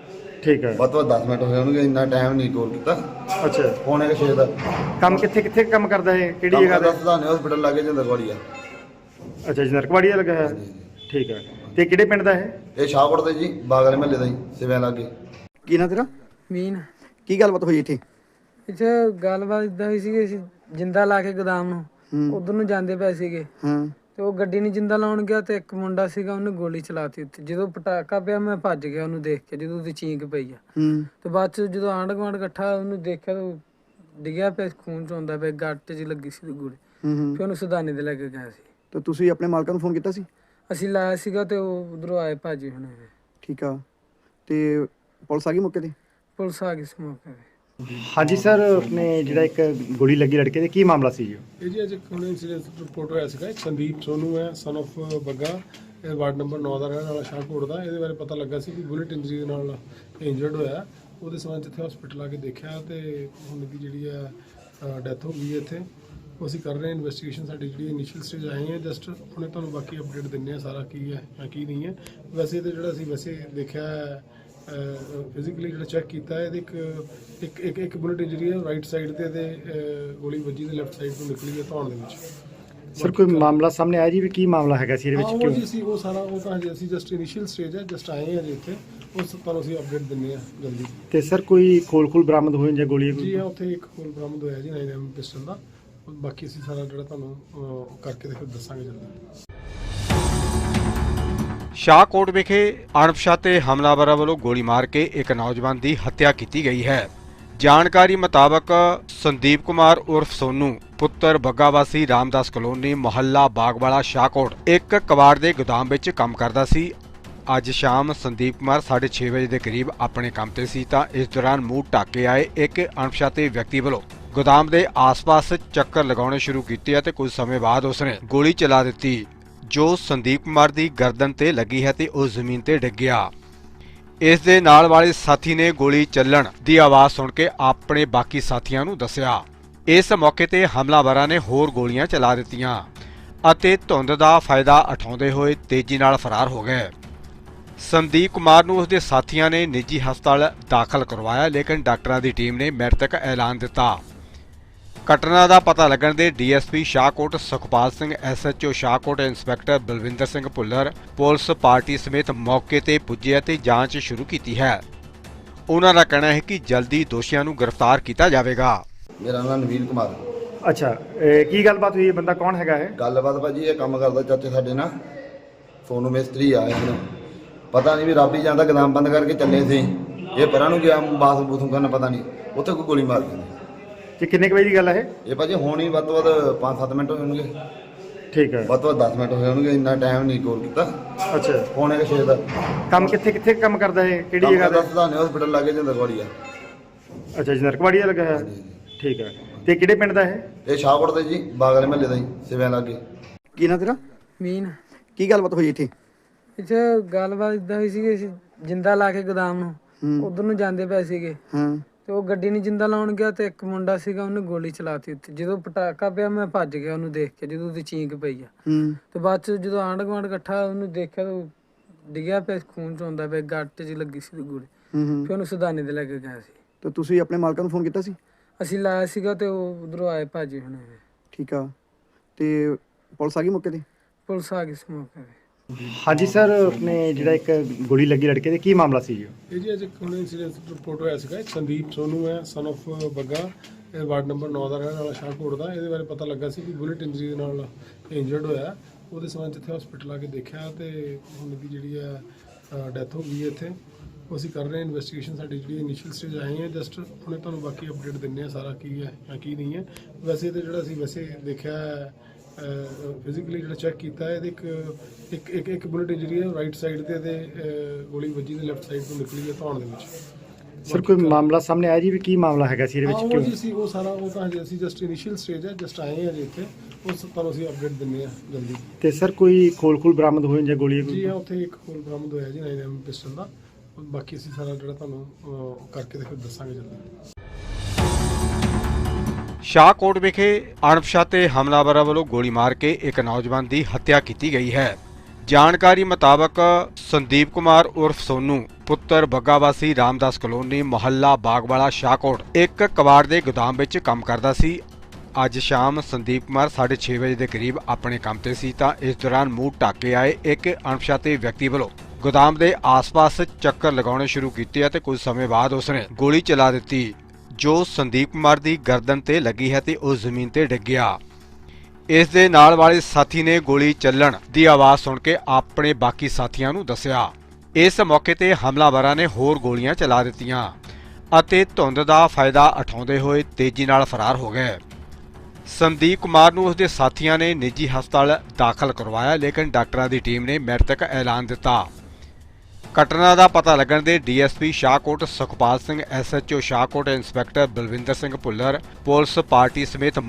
C: ਠੀਕ ਹੈ।
B: ਵੱਧ ਤੋਂ ਵੱਧ ਦਸ ਮਿੰਟ ਹੋਏ ਹੋਣਗੇ, ਇੰਨਾ ਟਾਈਮ ਨਹੀਂ ਕੋਲ ਕੀਤਾ।
C: ਅੱਛਾ,
B: ਪੌਣੇ ਛੇ ਦਾ
C: ਕੰਮ ਕਿੱਥੇ ਕਿੱਥੇ ਕੰਮ ਕਰਦਾ ਹੈ? ਕਿਹੜੀ
B: ਕੰਮ
C: ਜਗ੍ਹਾ
B: ਕਰਦਾ
C: ਤੇ?
B: ਸਦਾਨੇ ਹਸਪੀਟਲ ਲਾਗੇ ਜੰਦਰਵਾੜੀ ਆ।
C: ਅੱਛਾ ਜੀ, ਨਰਕਵਾੜੀਆ ਲੱਗਾ ਹੈ, ਠੀਕ ਹੈ। ਤੇ ਕਿਹੜੇ ਪਿੰਡ ਦਾ ਹੈ?
B: ਇਹ ਸ਼ਾਹਕੋਟ ਦੇ ਜੀ ਬਾਗਲੇ ਮਹੱਲੇ ਦਾ ਹੀ ਸਿਵਿਆਂ ਲਾਗੇ।
D: ਕੀ ਨਾਂ ਤੇਰਾ?
E: ਮੀਨ
D: ਕੀ ਗੱਲਬਾਤ ਹੋਈ ਇੱਥੇ?
E: ਇੱਥੇ ਗੱਲਬਾਤ ਇਦਾਂ ਹੋਈ ਸੀ ਕਿ ਅਸੀਂ ਜਿੰਦਾ ਲਾ ਕੇ ਗੋਦਾਮ ਨੂੰ ਉਧਰ ਨੂੰ ਜਾਂਦੇ ਪਏ ਸੀਗੇ
D: ਹਾਂ
E: ਤੇ ਉਹ ਗੱਡੀ ਨੂੰ ਜਿੰਦਾ ਲਾਉਣ ਗਿਆ ਤੇ ਇੱਕ ਮੁੰਡਾ ਸੀਗਾ, ਉਹਨੇ ਗੋਲੀ ਚਲਾਤੀ ਉੱਤੇ। ਜਦੋਂ ਪਟਾਕਾ ਪਿਆ ਮੈਂ ਭੱਜ ਗਿਆ ਉਹਨੂੰ ਦੇਖ ਕੇ, ਜਦੋਂ ਉਹਦੀ ਚੀਂਕ ਪਈ ਆ।
D: ਹੂੰ
E: ਤੇ ਬਾਅਦ ਚ ਜਦੋਂ ਆਂਢ ਗੁਆਂਢ ਇਕੱਠਾ ਉਹਨੂੰ ਦੇਖਿਆ ਤਾਂ ਉਹ ਡਿੱਗਿਆ ਪਿਆ, ਖੂਨ ਚੋਂਦਾ ਪਿਆ, ਗੱਟ 'ਚ ਲੱਗੀ ਸੀ ਗੋਲੀ।
D: ਹੂੰ ਹੂੰ
E: ਫਿਰ ਉਹਨੂੰ ਸੁਦਾਨੇ ਦੇ ਲੈ ਕੇ ਗਿਆ ਸੀ।
D: ਤੇ ਤੁਸੀਂ ਆਪਣੇ ਮਾਲਕਾਂ ਨੂੰ ਫੋਨ ਕੀਤਾ ਸੀ?
E: ਅਸੀਂ ਲਾਇਆ ਸੀਗਾ ਤੇ ਉਹ ਉਧਰੋਂ ਆਏ ਭਾਜੀ ਹੁਣ।
D: ਠੀਕ ਆ, ਤੇ ਪੁਲਿਸ ਆ ਗਈ ਮੌਕੇ ਤੇ?
E: ਪੁਲਿਸ ਆ ਗਈ ਸੀ ਮੌਕੇ ਤੇ।
C: ਹਾਂਜੀ ਸਰ, ਆਪਣੇ ਜਿਹੜਾ ਇੱਕ ਗੋਲੀ ਲੱਗੀ ਲੜਕੇ ਦੇ, ਕੀ ਮਾਮਲਾ ਸੀ ਜੀ?
F: ਇਹ ਜੀ ਅੱਜ ਇੱਕ ਹੁਣ ਇਨਸੀਡੈਂਟ ਰਿਪੋਰਟ ਹੋਇਆ ਸੀਗਾ। ਇੱਕ ਸੰਦੀਪ ਸੋਨੂ ਹੈ, ਸਨ of ਬੱਗਾ, ਇਹ ਵਾਰਡ ਨੰਬਰ ਨੌ ਦਾ ਰਹਿਣ ਵਾਲਾ ਸ਼ਾਹਕੋਟ ਦਾ। ਇਹਦੇ ਬਾਰੇ ਪਤਾ ਲੱਗਾ ਸੀ ਕਿ ਬੁਲਟ ਇੰਜਰੀ ਦੇ ਨਾਲ ਇੰਜਰਡ ਹੋਇਆ। ਉਹਦੇ ਸਬੰਧ 'ਚ ਇੱਥੇ ਹਸਪੀਟਲ ਆ ਕੇ ਦੇਖਿਆ ਤੇ ਹੁਣ ਦੀ ਜਿਹੜੀ ਆ ਡੈਥ ਹੋ ਗਈ ਹੈ ਇੱਥੇ। ਉਹ ਅਸੀਂ ਕਰ ਰਹੇ ਹਾਂ ਇਨਵੈਸਟੀਗੇਸ਼ਨ। ਸਾਡੀ ਜਿਹੜੀ ਇਨੀਸ਼ੀਅਲ ਸਟੇਜ ਆਈ ਹੈ, ਜਸਟ ਹੁਣੇ ਤੁਹਾਨੂੰ ਬਾਕੀ ਅਪਡੇਟ ਦਿੰਦੇ ਹਾਂ ਸਾਰਾ ਕੀ ਹੈ ਜਾਂ ਕੀ ਨਹੀਂ ਹੈ। ਵੈਸੇ ਤਾਂ ਜਿਹੜਾ ਅਸੀਂ ਵੈਸੇ ਦੇਖਿਆ ਫਿਜ਼ੀਕਲੀ ਜਿਹੜਾ ਚੈੱਕ ਕੀਤਾ, ਇਹਦੇ ਇੱਕ ਇੱਕ ਇੱਕ ਇੱਕ ਬੁਲਟ ਇੰਜਰੀ ਹੈ ਰਾਈਟ ਸਾਈਡ ਤੇ, ਤੇ ਗੋਲੀ ਵੱਜੀ ਤੇ ਲੈਫਟ ਸਾਈਡ ਤੋਂ ਨਿਕਲੀ ਹੈ ਧੌਣ ਦੇ ਵਿੱਚ।
C: ਸਰ ਕੋਈ ਮਾਮਲਾ ਸਾਹਮਣੇ ਆਇਆ ਜੀ ਵੀ ਕੀ ਮਾਮਲਾ ਹੈਗਾ ਸੀ ਇਹਦੇ
F: ਹਾਂ,
C: ਵਿੱਚ?
F: ਉਹ
C: ਕਿਉਂ
F: ਜੀ ਅਸੀਂ ਉਹ ਸਾਰਾ ਉਹ ਤਾਂ ਹਜੇ ਅਸੀਂ ਜਸਟ ਇਨੀਸ਼ੀਅਲ ਸਟੇਜ ਹੈ, ਜਸਟ ਆਏ ਹਾਂ ਜੀ ਇੱਥੇ। ਉਸ ਤੁਹਾਨੂੰ ਅਸੀਂ ਅਪਡੇਟ ਦਿੰਦੇ ਹਾਂ ਜਲਦੀ।
C: ਤੇ ਸਰ ਕੋਈ ਖੋਲ ਖੋਲ ਬਰਾਮਦ ਹੋਏ ਜਾਂ ਗੋਲੀ?
F: ਜੀ ਹਾਂ, ਉੱਥੇ ਇੱਕ ਖੋਲ ਬਰਾਮਦ ਹੋਇਆ ਜੀ ਨਾਈਨ ਐਮ ਪਿਸਟਲ ਦਾ। ਬਾਕੀ ਅਸੀਂ ਸਾਰਾ ਜਿਹੜਾ ਤੁਹਾਨੂੰ ਅਹ, ਕਰਕੇ ਤੇ ਫਿਰ ਦੱਸਾਂਗੇ ਜਲਦੀ।
A: ਸ਼ਾਹਕੋਟ ਵਿਖੇ ਅਣਪਛਾਤੇ ਹਮਲਾਵਰਾਂ ਵੱਲੋਂ ਗੋਲੀ ਮਾਰ ਕੇ ਇੱਕ ਨੌਜਵਾਨ ਦੀ ਹੱਤਿਆ ਕੀਤੀ ਗਈ ਹੈ। ਜਾਣਕਾਰੀ ਮੁਤਾਬਕ ਸੰਦੀਪ ਕੁਮਾਰ ਉਰਫ ਸੋਨੂ ਪੁੱਤਰ ਬੱਗਾ ਵਾਸੀ ਰਾਮਦਾਸ ਕਲੋਨੀ ਮੁਹੱਲਾ ਬਾਗਵਾਲਾ ਸ਼ਾਹਕੋਟ ਇੱਕ ਕਬਾੜ ਦੇ ਗੋਦਾਮ ਵਿੱਚ ਕੰਮ ਕਰਦਾ ਸੀ। ਅੱਜ ਸ਼ਾਮ ਸੰਦੀਪ ਕੁਮਾਰ ਸਾਢੇ ਛੇ ਵਜੇ ਦੇ ਕਰੀਬ ਆਪਣੇ ਕੰਮ ਤੇ ਸੀ ਤਾਂ ਇਸ ਦੌਰਾਨ ਮੂੰਹ ਢੱਕ ਕੇ ਆਏ ਇੱਕ ਅਣਪਛਾਤੇ ਵਿਅਕਤੀ ਵੱਲੋਂ ਗੋਦਾਮ ਦੇ ਆਸ-ਪਾਸ ਚੱਕਰ ਲਗਾਉਣੇ ਸ਼ੁਰੂ ਕੀਤੇ ਅਤੇ ਕੁਝ ਸਮੇਂ ਬਾਅਦ ਉਸਨੇ ਗੋਲੀ ਚਲਾ ਦਿੱਤੀ, ਜੋ ਸੰਦੀਪ ਕੁਮਾਰ ਦੀ ਗਰਦਨ ਤੇ ਲੱਗੀ ਹੈ ਤੇ ਉਹ ਜ਼ਮੀਨ ਤੇ ਡਿੱਗ ਗਿਆ। ਇਸ ਦੇ ਨਾਲ ਵਾਲੇ ਸਾਥੀ ਨੇ ਗੋਲੀ ਚੱਲਣ ਦੀ ਆਵਾਜ਼ ਸੁਣ ਕੇ ਆਪਣੇ ਬਾਕੀ ਸਾਥੀਆਂ ਨੂੰ ਦੱਸਿਆ। ਇਸ ਮੌਕੇ ਤੇ ਹਮਲਾਵਰਾਂ ਨੇ ਹੋਰ ਗੋਲੀਆਂ ਚਲਾ ਦਿੱਤੀਆਂ ਅਤੇ ਧੁੰਦ ਦਾ ਫਾਇਦਾ ਉਠਾਉਂਦੇ ਹੋਏ ਤੇਜ਼ੀ ਨਾਲ ਫਰਾਰ ਹੋ ਗਏ। ਸੰਦੀਪ ਕੁਮਾਰ ਨੂੰ ਉਸਦੇ ਸਾਥੀਆਂ ਨੇ ਨਿੱਜੀ ਹਸਪਤਾਲ ਦਾਖਲ ਕਰਵਾਇਆ, ਲੇਕਿਨ ਡਾਕਟਰਾਂ ਦੀ ਟੀਮ ਨੇ ਮ੍ਰਿਤਕ ਐਲਾਨ ਦਿੱਤਾ। ਘਟਨਾ ਦਾ ਪਤਾ ਲੱਗਣ ਦੇ DSP Shahkot Sukhpal Singh, SHO Shahkot inspector Balwinder Singh Bhullar police party ਸਮੇਤ ਮੌਕੇ ਤੇ ਪੁੱਜੇ ਅਤੇ ਜਾਂਚ ਸ਼ੁਰੂ ਕੀਤੀ ਹੈ। ਉਹਨਾਂ ਦਾ ਕਹਿਣਾ ਹੈ ਕਿ ਜਲਦੀ ਦੋਸ਼ੀਆਂ ਨੂੰ ਗ੍ਰਿਫਤਾਰ ਕੀਤਾ ਜਾਵੇਗਾ।
B: ਮੇਰਾ ਨਾਮ ਨਵੀਨ ਕੁਮਾਰ।
C: ਅੱਛਾ, ਇਹ ਕੀ ਗੱਲਬਾਤ ਹੋਈ ਹੈ? ਬੰਦਾ ਕੌਣ ਹੈਗਾ ਹੈ?
B: ਗੱਲਬਾਤ ਭਾਜੀ ਇਹ ਕੰਮ ਕਰਦਾ ਚਾਚੇ ਸਾਡੇ ਨਾਲ ਸੋਨੂੰ ਮਿਸਤਰੀ ਆ ਇਹਨੂੰ ਪਤਾ ਨਹੀਂ ਵੀ ਰੱਬ ਹੀ ਜਾਂਦਾ, ਗਦਾਮ ਬੰਦ ਕਰਕੇ ਚੱਲੇ ਸੀ। ਇਹ ਪਰਾਂ ਨੂੰ ਗਿਆ ਬਾਥ ਬੂਥੂ ਕਰਨ, ਪਤਾ ਨਹੀਂ ਉੱਥੇ ਕੋਈ ਗੋਲੀ ਮਾਰ ਦਿੱਤੀ।
C: ਤੇ ਕਿੰਨੇ ਕੁ ਵਜੇ ਦੀ ਗੱਲ ਹੈ ਇਹ?
B: ਇਹ ਭਾਜੀ ਹੁਣ ਹੀ ਵੱਧ ਤੋਂ ਵੱਧ ਪੰਜ ਸੱਤ ਮਿੰਟ ਹੋਏ ਹੋਣਗੇ,
C: ਠੀਕ ਹੈ।
B: ਵੱਧ ਤੋਂ ਵੱਧ ਦਸ ਮਿੰਟ ਹੋਏ ਹੋਣਗੇ, ਇੰਨਾ ਟਾਈਮ ਨਹੀਂ ਕੋਲ ਕੀਤਾ।
C: ਅੱਛਾ,
B: ਪੌਣੇ ਛੇ ਦਾ
C: ਕੰਮ ਕਿੱਥੇ ਕਿੱਥੇ ਕੰਮ ਕਰਦਾ ਹੈ? ਕਿਹੜੀ
B: ਕੰਮ
C: ਜਗ੍ਹਾ
B: ਕਰਦਾ
C: ਤੇ?
B: ਸਦਾਨੇ ਹਸਪੀਟਲ ਲਾਗੇ ਜੰਦਰਵਾੜੀ ਆ।
C: ਅੱਛਾ ਜੀ, ਨਰਕਵਾੜੀਆ ਲੱਗਾ ਹੈ, ਠੀਕ ਹੈ। ਤੇ ਕਿਹੜੇ ਪਿੰਡ ਦਾ ਹੈ?
B: ਇਹ ਸ਼ਾਹਕੋਟ ਦੇ ਜੀ ਬਾਗਲੇ ਮਹੱਲੇ ਦਾ ਹੀ ਸਿਵਿਆਂ ਲਾਗੇ।
D: ਕੀ ਨਾਂ ਤੇਰਾ?
E: ਮੀਨ
D: ਕੀ ਗੱਲਬਾਤ ਹੋਈ ਇੱਥੇ?
E: ਇੱਥੇ ਗੱਲਬਾਤ ਇਦਾਂ ਹੋਈ ਸੀ ਕਿ ਅਸੀਂ ਜਿੰਦਾ ਲਾ ਕੇ ਗੋਦਾਮ ਨੂੰ ਉਧਰ ਨੂੰ ਜਾਂਦੇ ਪਏ ਸੀਗੇ
D: ਹਾਂ
E: ਤੇ ਉਹ ਗੱਡੀ ਨੂੰ ਜਿੰਦਾ ਲਾਉਣ ਗਿਆ ਤੇ ਇੱਕ ਮੁੰਡਾ ਸੀਗਾ, ਉਹਨੇ ਗੋਲੀ ਚਲਾਤੀ ਉੱਤੇ। ਜਦੋਂ ਪਟਾਕਾ ਪਿਆ ਮੈਂ ਭੱਜ ਗਿਆ ਉਹਨੂੰ ਦੇਖ ਕੇ, ਜਦੋਂ ਉਹਦੀ ਚੀਂਕ ਪਈ ਆ।
D: ਹੂੰ
E: ਤੇ ਬਾਅਦ ਚ ਜਦੋਂ ਆਂਢ ਗੁਆਂਢ ਇਕੱਠਾ ਉਹਨੂੰ ਦੇਖਿਆ ਤਾਂ ਉਹ ਡਿੱਗਿਆ ਪਿਆ, ਖੂਨ ਚੋਂਦਾ ਪਿਆ, ਗੱਟ 'ਚ ਲੱਗੀ ਸੀ ਗੋਲੀ।
D: ਹੂੰ ਹੂੰ
E: ਫਿਰ ਉਹਨੂੰ ਸੁਦਾਨੇ ਦੇ ਲੈ ਕੇ ਗਿਆ ਸੀ।
D: ਤੇ ਤੁਸੀਂ ਆਪਣੇ ਮਾਲਕਾਂ ਨੂੰ ਫੋਨ ਕੀਤਾ ਸੀ?
E: ਅਸੀਂ ਲਾਇਆ ਸੀਗਾ ਤੇ ਉਹ ਉਧਰੋਂ ਆਏ ਭਾਜੀ ਹੁਣ।
D: ਠੀਕ ਆ, ਤੇ ਪੁਲਿਸ ਆ ਗਈ ਮੌਕੇ ਤੇ?
E: ਪੁਲਿਸ ਆ ਗਈ ਸੀ ਮੌਕੇ ਤੇ।
C: ਹਾਂਜੀ ਸਰ, ਆਪਣੇ ਜਿਹੜਾ ਇੱਕ ਗੋਲੀ ਲੱਗੀ ਲੜਕੇ ਦੇ, ਕੀ ਮਾਮਲਾ ਸੀ ਜੀ?
F: ਇਹ ਜੀ ਅੱਜ ਇੱਕ ਹੁਣ ਇਨਸੀਡੈਂਟ ਰਿਪੋਰਟ ਹੋਇਆ ਸੀਗਾ। ਇੱਕ ਸੰਦੀਪ ਸੋਨੂ ਹੈ, ਸਨ of ਬੱਗਾ, ਇਹ ਵਾਰਡ ਨੰਬਰ ਨੌ ਦਾ ਰਹਿਣ ਵਾਲਾ ਸ਼ਾਹਕੋਟ ਦਾ। ਇਹਦੇ ਬਾਰੇ ਪਤਾ ਲੱਗਾ ਸੀ ਕਿ ਬੁਲਟ ਇੰਜਰੀ ਦੇ ਨਾਲ ਇੰਜਰਡ ਹੋਇਆ। ਉਹਦੇ ਸਬੰਧ 'ਚ ਇੱਥੇ ਹਸਪੀਟਲ ਆ ਕੇ ਦੇਖਿਆ ਤੇ ਹੁਣ ਦੀ ਜਿਹੜੀ ਹੈ ਡੈਥ ਹੋ ਗਈ ਹੈ ਇੱਥੇ। ਉਹ ਅਸੀਂ ਕਰ ਰਹੇ ਹਾਂ ਇਨਵੈਸਟੀਗੇਸ਼ਨ। ਸਾਡੀ ਜਿਹੜੀ ਇਨੀਸ਼ੀਅਲ ਸਟੇਜ ਆਏ ਹੈ ਜਸਟ ਹੁਣੇ ਤੁਹਾਨੂੰ ਬਾਕੀ ਅਪਡੇਟ ਦਿੰਦੇ ਹਾਂ ਸਾਰਾ ਕੀ ਹੈ ਜਾਂ ਕੀ ਨਹੀਂ ਹੈ। ਵੈਸੇ ਤਾਂ ਜਿਹੜਾ ਅਸੀਂ ਵੈਸੇ ਦੇਖਿਆ ਫਿਜ਼ੀਕਲੀ ਜਿਹੜਾ ਚੈੱਕ ਕੀਤਾ ਇਹਦੇ ਇੱਕ ਇੱਕ ਇੱਕ ਇੱਕ ਬੁਲਟ ਇੰਜਰੀ ਹੈ ਰਾਈਟ ਸਾਈਡ ਤੇ ਤੇ ਗੋਲੀ ਵੱਜੀ ਤੇ ਲੈਫਟ ਸਾਈਡ ਤੋਂ ਨਿਕਲੀ ਹੈ ਧੌਣ ਦੇ ਵਿੱਚ।
C: ਸਰ ਕੋਈ ਮਾਮਲਾ ਸਾਹਮਣੇ ਆਇਆ ਜੀ ਵੀ ਕੀ ਮਾਮਲਾ ਹੈਗਾ ਸੀ ਇਹਦੇ
F: ਹਾਂ,
C: ਵਿੱਚ
F: ਉਹ
C: ਕਿਉਂ?
F: ਜੀ ਸੀ ਉਹ ਸਾਰਾ ਉਹ ਤਾਂ ਹਜੇ ਅਸੀਂ ਜਸਟ ਇਨੀਸ਼ੀਅਲ ਸਟੇਜ ਹੈ ਜਸਟ ਆਏ ਹਾਂ ਜੀ ਇੱਥੇ। ਉਸ ਤੁਹਾਨੂੰ ਅਸੀਂ ਅਪਡੇਟ ਦਿੰਦੇ ਹਾਂ ਜਲਦੀ।
C: ਤੇ ਸਰ ਕੋਈ ਖੋਲ ਖੋਲ ਬਰਾਮਦ ਹੋਏ ਜਾਂ ਗੋਲੀ
F: ਜੀ ਹਾਂ, ਉੱਥੇ ਇੱਕ ਖੋਲ ਬਰਾਮਦ ਹੋਇਆ ਜੀ ਨਾਈਨ ਐਮ ਪਿਸਟਲ ਦਾ। ਬਾਕੀ ਅਸੀਂ ਸਾਰਾ ਜਿਹੜਾ ਤੁਹਾਨੂੰ ਅਹ, ਕਰਕੇ ਤੇ ਫਿਰ ਦੱਸਾਂਗੇ ਜਲਦੀ।
A: ਸ਼ਾਹਕੋਟ ਵਿਖੇ ਅਣਪਛਾਤੇ ਹਮਲਾਵਰਾਂ ਵੱਲੋਂ ਗੋਲੀ ਮਾਰ ਕੇ ਇੱਕ ਨੌਜਵਾਨ ਦੀ ਹੱਤਿਆ ਕੀਤੀ ਗਈ ਹੈ। ਜਾਣਕਾਰੀ ਮੁਤਾਬਕ ਸੰਦੀਪ ਕੁਮਾਰ ਉਰਫ ਸੋਨੂ ਪੁੱਤਰ ਬੱਗਾਵਾਸੀ ਰਾਮਦਾਸ ਕਲੋਨੀ ਮੁਹੱਲਾ ਬਾਗਵਾਲਾ ਸ਼ਾਹਕੋਟ ਇੱਕ ਕਬਾੜ ਦੇ ਗੋਦਾਮ ਵਿੱਚ ਕੰਮ ਕਰਦਾ ਸੀ। ਅੱਜ ਸ਼ਾਮ ਸੰਦੀਪ ਕੁਮਾਰ ਸਾਢੇ ਛੇ ਵਜੇ ਦੇ ਕਰੀਬ ਆਪਣੇ ਕੰਮ ਤੇ ਸੀ ਤਾਂ ਇਸ ਦੌਰਾਨ ਮੂੰਹ ਢੱਕ ਕੇ ਆਏ ਇੱਕ ਅਣਪਛਾਤੇ ਵਿਅਕਤੀ ਵੱਲੋਂ ਗੋਦਾਮ ਦੇ ਆਸ-ਪਾਸ ਚੱਕਰ ਲਗਾਉਣੇ ਸ਼ੁਰੂ ਕੀਤੇ ਅਤੇ ਕੁਝ ਸਮੇਂ ਬਾਅਦ ਉਸਨੇ ਗੋਲੀ ਚਲਾ ਦਿੱਤੀ ਜੋ ਸੰਦੀਪ ਕੁਮਾਰ ਦੀ ਗਰਦਨ ਤੇ ਲੱਗੀ ਹੈ ਤੇ ਉਹ ਜ਼ਮੀਨ ਤੇ ਡਿੱਗ ਗਿਆ। ਇਸ ਦੇ ਨਾਲ ਵਾਲੇ ਸਾਥੀ ਨੇ ਗੋਲੀ ਚੱਲਣ ਦੀ ਆਵਾਜ਼ ਸੁਣ ਕੇ ਆਪਣੇ ਬਾਕੀ ਸਾਥੀਆਂ ਨੂੰ ਦੱਸਿਆ। ਇਸ ਮੌਕੇ ਤੇ ਹਮਲਾਵਰਾਂ ਨੇ ਹੋਰ ਗੋਲੀਆਂ ਚਲਾ ਦਿੱਤੀਆਂ ਅਤੇ ਧੁੰਦ ਦਾ ਫਾਇਦਾ ਉਠਾਉਂਦੇ ਹੋਏ ਤੇਜ਼ੀ ਨਾਲ ਫਰਾਰ ਹੋ ਗਏ। ਸੰਦੀਪ ਕੁਮਾਰ ਨੂੰ ਉਸਦੇ ਸਾਥੀਆਂ ਨੇ ਨਿੱਜੀ ਹਸਪਤਾਲ ਦਾਖਲ ਕਰਵਾਇਆ ਲੇਕਿਨ ਡਾਕਟਰਾਂ ਦੀ ਟੀਮ ਨੇ ਮ੍ਰਿਤਕ ਐਲਾਨ ਦਿੱਤਾ। ਘਟਨਾ ਦਾ ਪਤਾ ਲੱਗਣ ਦੇ DSP Shahkot Sukhpal Singh, SHO Shahkot inspector Balwinder Singh Bhullar, police party ਸਮੇਤ